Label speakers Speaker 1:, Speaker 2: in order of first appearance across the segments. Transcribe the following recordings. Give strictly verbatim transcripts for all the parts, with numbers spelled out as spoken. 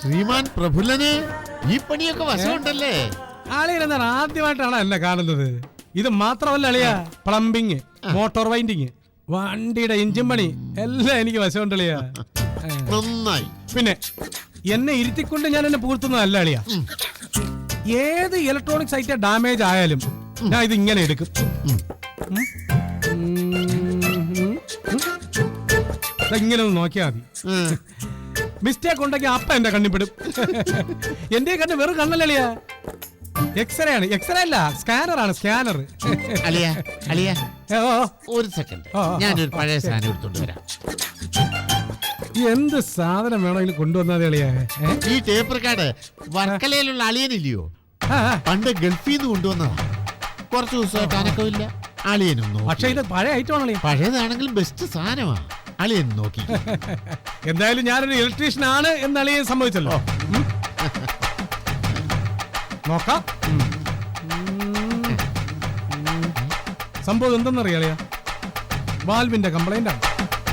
Speaker 1: ശ്രീമാൻ പ്രഫുല്ലന് ഈ പണിയൊക്കെ വശമുണ്ടല്ലേ?
Speaker 2: അളിയനെന്താണ് ആദ്യമായിട്ടാണ് എന്നെ കാണുന്നത്? ഇത് മാത്രമല്ല അളിയ, പ്ലംബിങ്, മോട്ടോർ വൈൻഡിങ്, വണ്ടിയുടെ എഞ്ചിൻ പണി എല്ലാം എനിക്ക് വശമുണ്ട് അളിയ.
Speaker 1: നന്നായി.
Speaker 2: പിന്നെ എന്നെ ഇരുത്തിക്കൊണ്ട് ഞാൻ എന്നെ പൂർത്തുന്നതല്ല അളിയ. ഏത് ഇലക്ട്രോണിക്സ് ഐറ്റം ഡാമേജ് ആയാലും ഞാൻ ഇത് ഇങ്ങനെ എടുക്കും. ഇങ്ങനെ ഒന്ന് നോക്കിയാ മതി. മിസ്റ്റേക്ക് ഉണ്ടെങ്കിൽ അപ്പ എന്റെ കണ്ണിപ്പെടും. എന്റെ കണ്ണ് വെറും കണ്ണല്ലളിയാ, എക്സ്റേ ആണ്. എക്സ്റേ അല്ല, സ്കാനർ ആണ്, സ്കാനർ.
Speaker 1: അലിയ അലിയ ഒരു സെക്കൻഡ്, ഞാനൊരു പഴയ സാധനം എടുത്തോണ്ട് വരാം.
Speaker 2: എന്ത് സാധനം വേണമെങ്കിലും കൊണ്ടുവന്നാതെ അളിയാ.
Speaker 1: ഈ ടേപ്പ് റെക്കോർഡ് വർക്കലയിലുള്ള അളിയനില്ലയോ, പണ്ട് ഗൾഫിൽ നിന്ന് കൊണ്ടുവന്നതാ. കുറച്ച് ദിവസമായിട്ട് അനക്കമില്ല. അളിയനും
Speaker 2: പക്ഷെ ഇത് പഴയ ഐറ്റം ആണല്ലേ.
Speaker 1: പഴയതാണെങ്കിൽ ബെസ്റ്റ് സാധനമാ. അളിയൻ നോക്കി.
Speaker 2: എന്തായാലും ഞാനൊരു ഇലക്ട്രീഷ്യൻ ആണ് എന്ന് അളിയൻ സമ്മതിച്ചല്ലോ. നോക്കാം. സംഭവം എന്തെന്നറിയാളിയാ, വാൽവിന്റെ കംപ്ലൈന്റ് ആണ്.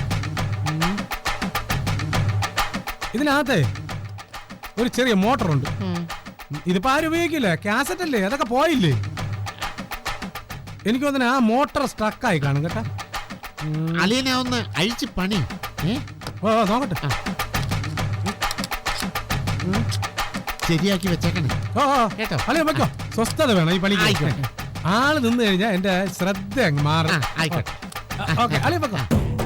Speaker 2: ഇതിനകത്തെ ഒരു ചെറിയ മോട്ടറുണ്ട്. ഇതിപ്പോ ആരും ഉപയോഗിക്കില്ല, കാസറ്റ് അല്ലേ, അതൊക്കെ പോയില്ലേ. എനിക്ക് തോന്നുന്നു ആ മോട്ടർ സ്ട്രക്കായി കാണും കേട്ടാ.
Speaker 1: അളിയനെ ഒന്ന് അഴിച്ച് പണി.
Speaker 2: ഓ നോക്കട്ടെ,
Speaker 1: ശരിയാക്കി വെച്ചേക്കണേ.
Speaker 2: ഓ കേട്ടോ അളിയ വെക്കോ. സ്വസ്ഥത വേണം ഈ പണിക്ക്. ആള് നിന്ന് കഴിഞ്ഞാൽ എന്റെ ശ്രദ്ധ അങ്ങ് മാറും.
Speaker 1: ആയിക്കോട്ടെ.
Speaker 2: ഓക്കെ അളിയ വെക്കോ.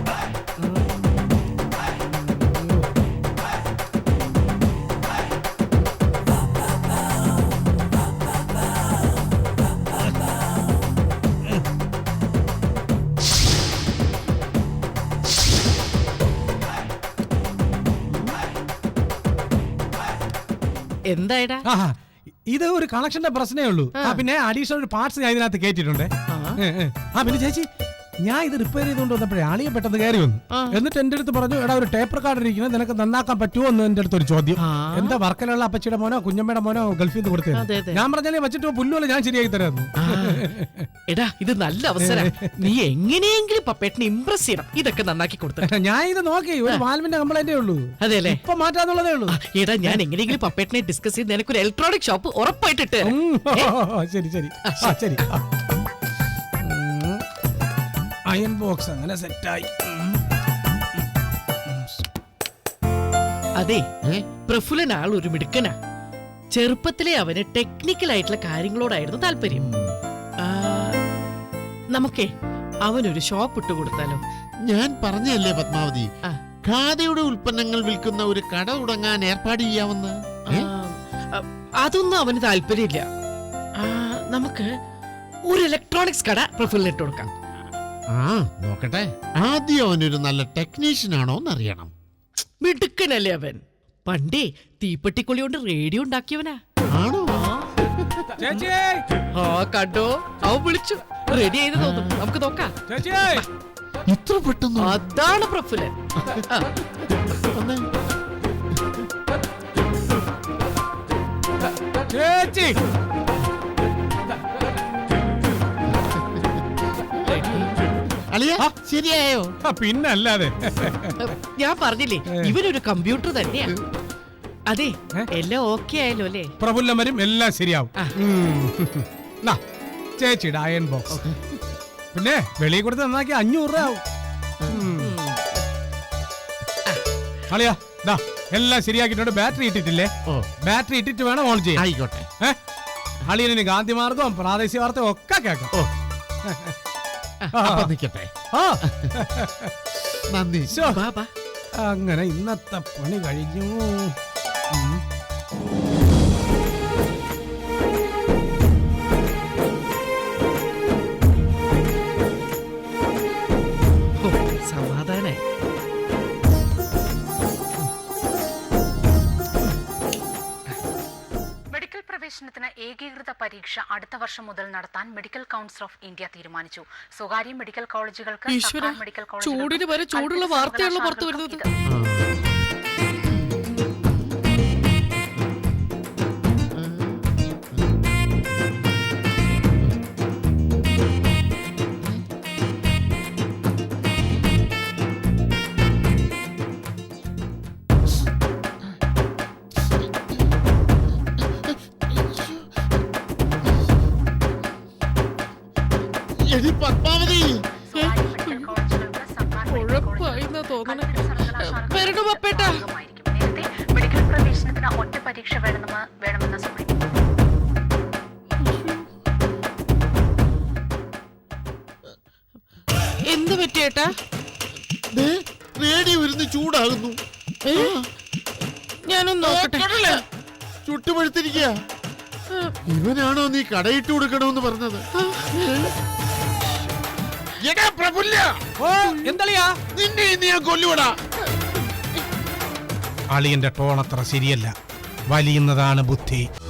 Speaker 3: എന്തായിടാ?
Speaker 2: ഇത് ഒരു കണക്ഷന്റെ പ്രശ്നമേ ഉള്ളൂ. പിന്നെ അഡീഷണൽ ഒരു പാർട്സ് ഞാൻ ഇതിനകത്ത് കേട്ടിട്ടുണ്ട്. ആ പിന്നെ ചേച്ചി, ഞാൻ ഇത് റിപ്പയർ ചെയ്തുകൊണ്ട് വന്നപ്പോഴേ ആളിയെ പെട്ടെന്ന് കയറി വന്നു. എന്നിട്ട് എന്റെ അടുത്ത് പറഞ്ഞു, എടാ ഒരു ടേപ്പ് റെക്കോർഡർ ഇരിക്കുന്നത് നിനക്ക് നന്നാക്കാൻ പറ്റുമോ എന്ന് എന്റെ അടുത്ത് ഒരു ചോദ്യം. എന്താ വർക്കലുള്ള അപ്പച്ചിയുടെ മോനോ കുഞ്ഞമ്മയുടെ മോനോ ഗൾഫിൽ നിന്ന് കൊടുത്തത്? ഞാൻ പറഞ്ഞാലേ വെച്ചിട്ട് പുല്ലുപോലെ ഞാൻ ശരിയാക്കി തരാമെന്ന്.
Speaker 3: എടാ ഇത് നല്ല അവസരം, നീ എങ്ങനെയെങ്കിലും പപ്പേട്ടിനെ ഇംപ്രസ് ചെയ്യണം. ഇതൊക്കെ നന്നാക്കി കൊടുത്തു.
Speaker 2: ഞാൻ ഇത് നോക്കി, ഒരു വാൽവിന്റെ കംപ്ലൈന്റേ ഉള്ളൂ.
Speaker 3: അതെല്ലേ,
Speaker 2: ഇപ്പൊ മാറ്റാന്നുള്ളതേ ഉള്ളൂ.
Speaker 3: എടാ ഞാൻ എങ്ങനെയെങ്കിലും പപ്പേട്ടിനെ ഡിസ്കസ് ചെയ്ത് നിനക്കൊരു ഇലക്ട്രോണിക് ഷോപ്പ് ഉറപ്പായിട്ടിട്ട്.
Speaker 2: ശരി ശരി ശരി. അയൺ ബോക്സ് അങ്ങനെ സെറ്റായി.
Speaker 3: അതെ, പ്രഫുല്ലൻ ആൾ ഒരു മിടുക്കനാ. ചെറുപ്പത്തിലെ അവന് ടെക്നിക്കൽ ആയിട്ടുള്ള കാര്യങ്ങളോടായിരുന്നു താല്പര്യം. നമുക്കേ അവനൊരു ഷോപ്പ് ഇട്ട് കൊടുത്താലോ?
Speaker 1: ഞാൻ പറഞ്ഞല്ലേ പത്മാവതി, ഖാദിയുടെ ഉൽപ്പന്നങ്ങൾ വിൽക്കുന്ന ഒരു കട തുടങ്ങാൻ ഏർപ്പാട് ചെയ്യാവുന്ന.
Speaker 3: അതൊന്നും അവന് താല്പര്യമില്ല. നമുക്ക് ഒരു ഇലക്ട്രോണിക്സ് കട പ്രഫുല്ലൻ ഇട്ട് കൊടുക്കാം.
Speaker 1: ആ നോക്കട്ടെ, ആദ്യം അവനൊരു നല്ല ടെക്നീഷ്യൻ ആണോ എന്നറിയണം.
Speaker 3: മിടുക്കനല്ലേ അവൻ, പണ്ടേ തീപ്പെട്ടിക്കൊള്ളി കൊണ്ട് റേഡിയോ ഉണ്ടാക്കിയവനാ.
Speaker 1: ആണോ?
Speaker 3: ആ കണ്ടോ, അവൻ വിളിച്ചു. റെഡി ആയത് തോന്നുന്നു, നമുക്ക് നോക്കാം.
Speaker 1: ഇത്ര പെട്ടെന്ന്?
Speaker 3: അതാണ് പ്രഫുല്ലൻ.
Speaker 2: ചേച്ചി
Speaker 1: ശരിയായോ?
Speaker 2: പിന്നല്ലാതെ.
Speaker 3: ഞാൻ പറഞ്ഞില്ലേ ഇവനൊരു കമ്പ്യൂട്ടർ തന്നെയാ. അതെ, എല്ലാം ഓക്കെ ആയല്ലോ അല്ലേ?
Speaker 2: പ്രഫുല്ലൻ വരും, എല്ലാം ശരിയാവും. ചേച്ചിയുടെ അയൺ ബോക്സ് പിന്നെ വെളിയിൽ കൊടുത്ത് നന്നാക്കി അഞ്ഞൂറ് രൂപ ആവും. അളിയാ ദാ എല്ലാം ശരിയാക്കിയിട്ടുണ്ട്. ബാറ്ററി ഇട്ടിട്ടില്ലേ? ബാറ്ററി ഇട്ടിട്ട് വേണം ഓൺ ചെയ്യാൻ.
Speaker 1: ആയിക്കോട്ടെ.
Speaker 2: അളിയന് ഗാന്ധി മാർഗവും പ്രാദേശിക വാർത്തയും ഒക്കെ കേൾക്കാം.
Speaker 1: നിക്കട്ടെ.
Speaker 2: നന്ദി. അങ്ങനെ ഇന്നത്തെ പണി കഴിഞ്ഞു.
Speaker 3: സമാധാനായി.
Speaker 4: പ്രവേശനത്തിന് ഏകീകൃത പരീക്ഷ അടുത്ത വർഷം മുതൽ നടത്താൻ മെഡിക്കൽ കൗൺസിൽ ഓഫ് ഇന്ത്യ തീരുമാനിച്ചു. സ്വകാര്യ മെഡിക്കൽ കോളേജുകൾക്ക് മെഡിക്കൽ
Speaker 3: ചൂടിന് വരെ ചൂടുള്ള വാർത്തയുള്ള പുറത്തു വരുന്നത്.
Speaker 1: എടി പത്മാവതി,
Speaker 4: സ്വകാര്യ മെഡിക്കൽ കോളേജുകൾക്ക് സർക്കാർ മെഡിക്കൽ
Speaker 3: ഉഴപ്പായിന്നാ തോന്നണേ.
Speaker 4: സർവകലാശാലകൾക്ക്
Speaker 3: വരണു പപ്പേട്ടാ.
Speaker 4: ഭാഗമായിരിക്കും. നേരത്തെ മെഡിക്കൽ പ്രവേശനത്തിന് ഒറ്റ പരീക്ഷ വേണമെന്ന് വേണമെന്ന സുപ്രീം
Speaker 3: എന്ത് പറ്റിയേട്ടാ?
Speaker 1: ദേ, റേഡിയോ ഇരുന്ന് ചൂടാകുന്നു.
Speaker 3: ഏ? ഞാനൊന്ന് നോക്കട്ടെ.
Speaker 1: ചുട്ടുപഴുത്തിരിക്കുക. ഇവനാണോ നീ കടയിട്ട് കൊടുക്കണമെന്ന് പറഞ്ഞത്? എടാ പ്രഫുല്ല,
Speaker 2: ഓ എന്തളിയാ?
Speaker 1: നിന്നെ ഇന്ന് ഞാൻ കൊല്ലുവടാ.
Speaker 2: അളിയന്റെ ടോൺ അത്ര ശരിയല്ല. വലിയുന്നതാണ് ബുദ്ധി.